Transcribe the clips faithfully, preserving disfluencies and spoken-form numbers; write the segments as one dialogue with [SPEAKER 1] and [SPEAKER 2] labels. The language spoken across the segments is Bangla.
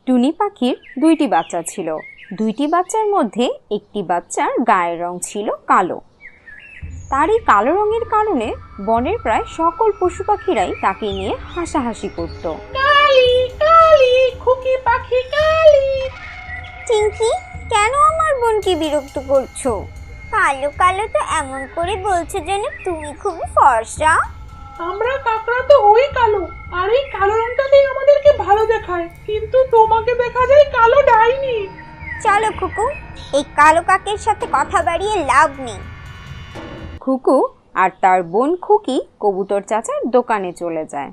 [SPEAKER 1] টুনি পাখির দুইটি বাচ্চা ছিল। দুইটি বাচ্চার মধ্যে একটি বাচ্চার গায়ের রং ছিল কালো। তার এই কালো রঙের কারণে বনের প্রায় সকল পশু পাখিরাই তাকে নিয়ে হাসাহাসি করত।
[SPEAKER 2] কালি কালি খুকি পাখি কালি।
[SPEAKER 3] চিঙ্কি, কেন আমার বোনকে বিরক্ত করছো? কালো কালো তো এমন করে বলছো যেন তুমি খুব ফর্সা।
[SPEAKER 2] আমরা কাকড়া তো ওই কালো, আর এই কালো রংটাতেই আমাদেরকে ভালো দেখায়, কিন্তু তোমাকে দেখা যায় কালো ডাইনি।
[SPEAKER 3] চলো খুকু, এই কালো কাকের সাথে কথা বাড়িয়ে লাভ নেই।
[SPEAKER 1] খুকু আর তার বোন খুকি কবুতর চাচার দোকানে চলে যায়।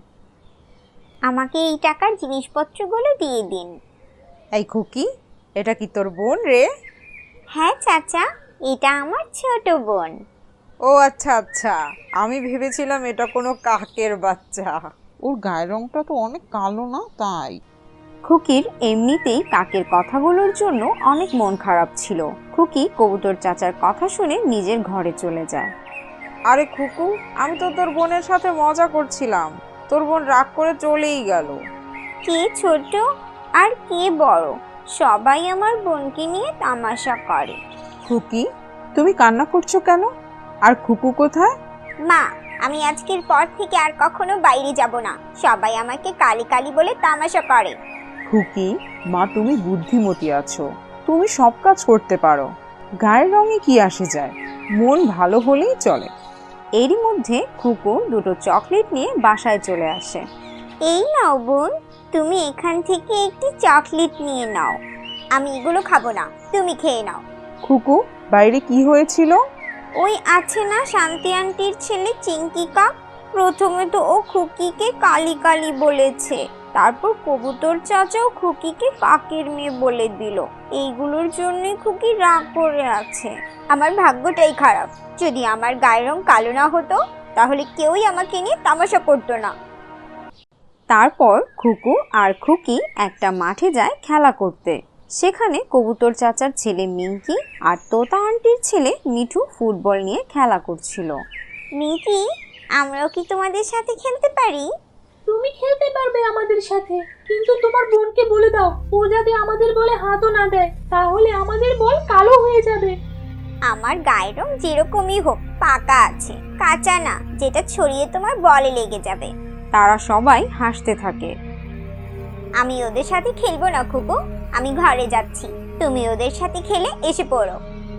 [SPEAKER 3] আমাকে এই টাকার জিনিসপত্রগুলো দিয়ে দিন।
[SPEAKER 4] এই খুকি, এটা কি তোর বোন রে?
[SPEAKER 3] হ্যাঁ চাচা, এটা আমার ছোট বোন।
[SPEAKER 4] ও আচ্ছা আচ্ছা, আমি ভেবেছিলাম এটা কোনো কাকের বাচ্চা।
[SPEAKER 5] ওর গায়ের রংটা তো অনেক কালো না, তাই।
[SPEAKER 1] খুকির এমনিতেই কাকের কথাগুলোর জন্য অনেক মন খারাপ ছিল। খুকি কবুতর চাচার কথা শুনে নিজের ঘরে চলে যায়।
[SPEAKER 4] আরে খুকু, আমি তো তোর বোনের সাথে মজা করছিলাম, তোর বোন রাগ করে চলেই গেল।
[SPEAKER 3] কে ছোট আর কে বড়, সবাই আমার বোনকে নিয়ে তামাশা করে।
[SPEAKER 5] খুকি, তুমি কান্না করছো কেন? আর খুকু কোথায়?
[SPEAKER 3] মা, আমি আজকের পর থেকে আর কখনো বাইরে যাব না। সবাই আমাকে কালি কালি বলে তামাশা করে।
[SPEAKER 5] খুকি, মা তুমি বুদ্ধিমতী আছো, তুমি সব কাজ করতে পারো। গায়ের রঙে কি আসে যায়, মন ভালো হলেই চলে।
[SPEAKER 1] এরই মধ্যে খুকু দুটো চকলেট নিয়ে বাসায় চলে আসে।
[SPEAKER 3] এই নাও বোন, তুমি এখান থেকে একটি চকলেট নিয়ে নাও। আমি এগুলো খাবো না, তুমি খেয়ে নাও।
[SPEAKER 5] খুকু, বাইরে কি হয়েছিল?
[SPEAKER 3] ওই আছে না শান্তি আন্টির ছেলে চিঙ্কি কাক, প্রথমে তো ও খুকিকে কালি কালি বলেছে, তারপর কবুতর চাচাও খুকিকে কাকের মেয়ে বলে দিল। এইগুলোর জন্যই খুকি রাগ করে আছে। আমার ভাগ্যটাই খারাপ, যদি আমার গায়ের রং কালো না হতো তাহলে কেউই আমাকে নিয়ে তামাশা করতো না।
[SPEAKER 1] তারপর খুকু আর খুকি একটা মাঠে যায় খেলা করতে। সেখানে কবুতর চাচার ছেলে মিঙ্কি আর তোতা আন্টির ছেলে মিঠু ফুটবল নিয়ে খেলা করছিল।
[SPEAKER 3] মিকি, আমরাও কি তোমাদের সাথে খেলতে পারি?
[SPEAKER 2] তুমি খেলতে পারবে আমাদের সাথে, কিন্তু তোমার বোনকে বলে দাও ও যাতে আমাদের বলে হাতও না দেয়, তাহলে আমাদের বল কালো হয়ে যাবে।
[SPEAKER 3] আমার গায়ের রং যেরকমই হোক পাকা আছে, কাঁচা না যেটা ছড়িয়ে তোমার বলে লেগে যাবে।
[SPEAKER 1] তারা সবাই হাসতে থাকে।
[SPEAKER 3] আমি ওদের সাথে খেলবো না খুকু, আমি ঘরে যাচ্ছি। তুমি ওদের সাথে খেলে এসে পড়ো।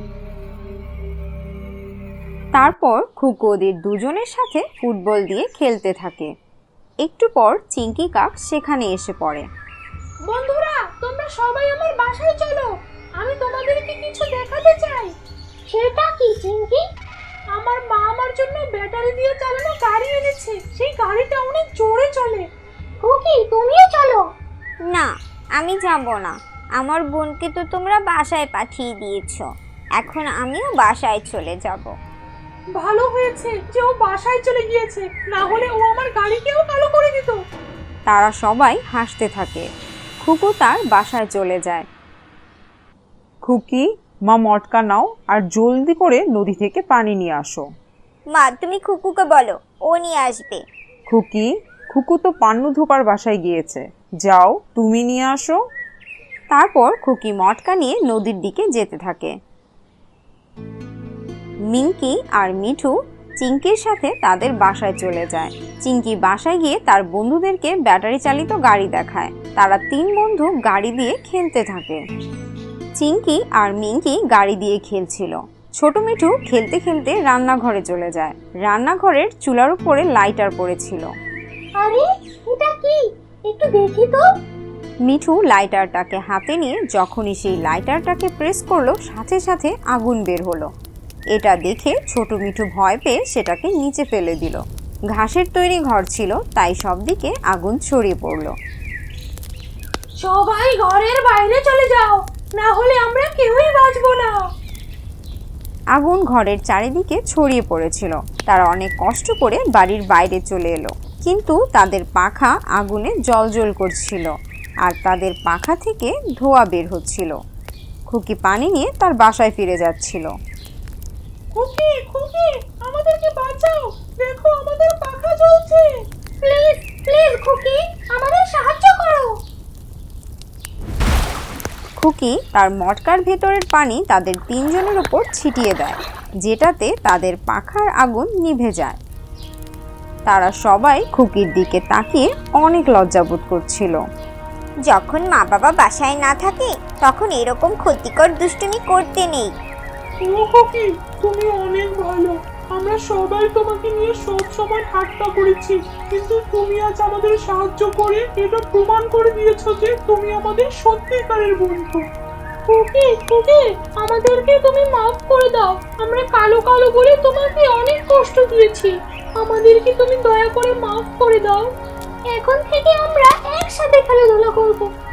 [SPEAKER 1] তারপর খুকু ওদের দুজনের সাথে ফুটবল দিয়ে খেলতে থাকে। একটু পর চিঙ্কি কাক সেখানে এসে পড়ে।
[SPEAKER 2] বন্ধুরা, তোমরা সবাই আমার বাসায় চলো, আমি তোমাদেরকে কিছু দেখাতে চাই। সেটা কি চিঙ্কি? আমার মা আমার জন্য ব্যাটারি দিয়ে চালানো গাড়ি এনেছে, সেই গাড়িটা অনেক জোরে চলে। খুকি, তুমিও চলো।
[SPEAKER 3] না, আমি যাব না। আমার বোনকে তো তোমরা বাসায় পাঠিয়ে দিয়েছো, এখন আমিও বাসায় চলে যাব।
[SPEAKER 2] ভালো হয়েছে যে ও বাসায় চলে গিয়েছে, না হলে ও আমার গাড়িকেও কালো করে দিত।
[SPEAKER 1] তারা সবাই হাসতে থাকে। খুকু তার বাসায় চলে যায়।
[SPEAKER 5] খুকি, মা মটকা নাও আর জলদি করে নদী থেকে পানি নিয়ে আসো।
[SPEAKER 3] মা, তুমি খুকুকে বলো, ও নিয়ে আসবে।
[SPEAKER 5] খুকি, খুকু তো পান্নু ধোপার বাসায় গিয়েছে, যাও তুমি নিয়ে আসো।
[SPEAKER 1] তারপর খুকি মটকা নিয়ে নদীর দিকে যেতে থাকে। মিঙ্কি আর মিঠু চিঙ্কির সাথে তাদের বাসায় চলে যায়। চিঙ্কি বাসায় গিয়ে তার বন্ধুদেরকে ব্যাটারি চালিত গাড়ি দেখায়। তারা তিন বন্ধু গাড়ি দিয়ে খেলতে থাকে। চিঙ্কি আর মিঙ্কি গাড়ি দিয়ে খেলছিল। ছোট মিঠু খেলতে খেলতে রান্নাঘরে চলে যায়। রান্নাঘরের চুলার উপরে লাইটার পড়েছিল।
[SPEAKER 2] আরে, এটা কি? একটু দেখি তো।
[SPEAKER 1] মিঠু লাইটারটাকে হাতে নিয়ে যখনই সেই লাইটারটাকে প্রেস করলো, সাথে সাথে আগুন বের হলো। এটা দেখে ছোট মিঠু ভয় পেয়ে সেটাকে নিচে ফেলে দিল। ঘাসের তৈরি ঘর ছিল, তাই সব দিকে আগুন ছড়িয়ে পড়ল।
[SPEAKER 2] সবাই ঘরের বাইরে চলে যাও, না হলে আমরা কেউই বাঁচবো না।
[SPEAKER 1] আগুন ঘরের চারিদিকে ছড়িয়ে পড়েছিল। তারা অনেক কষ্ট করে বাড়ির বাইরে চলে এলো, কিন্তু তাদের পাখা আগুনে জ্বলজ্বল করছিল আর তাদের পাখা থেকে ধোঁয়া বের হচ্ছিল। খুকি পানি নিয়ে তার বাসায় ফিরে যাচ্ছিল।
[SPEAKER 2] খুকি, খুকি, আমাদেরকে বাঁচাও, দেখো আমাদের পাখা জ্বলছে। প্লিজ প্লিজ খুকি, আমাদের সাহায্য করো।
[SPEAKER 1] খুকি তার মটকার ভেতরের পানি তাদের তিনজনের উপর ছিটিয়ে দেয়, যেটাতে তাদের পাখার আগুন নিভে যায়। তারা সবাই খুকির দিকে তাকিয়ে অনেক লজ্জাবোধ করছিল।
[SPEAKER 3] যখন মা বাবা বাসায় না থাকে তখন এরকম ক্ষতিকর দুষ্টুমি করতে নেই।
[SPEAKER 2] ও খুকি, তুমি অনেক ভালো। আমরা সবাই তোমাকে নিয়ে সব সময় ঠাট্টা করেছি, কিন্তু তুমি আজ আমাদের সাহায্য করে এটা প্রমাণ করে দিয়েছো যে তুমি আমাদের সত্যিকারের বন্ধু। খুকি খুকি, আমাদেরকে তুমি মাফ করে দাও। আমরা কালো কালো বলে তোমাকে অনেক কষ্ট দিয়েছি। আমাদেরকে তুমি দয়া করে মাফ করে দাও। এখন থেকে আমরা একসাথে খেলাধুলা করবো।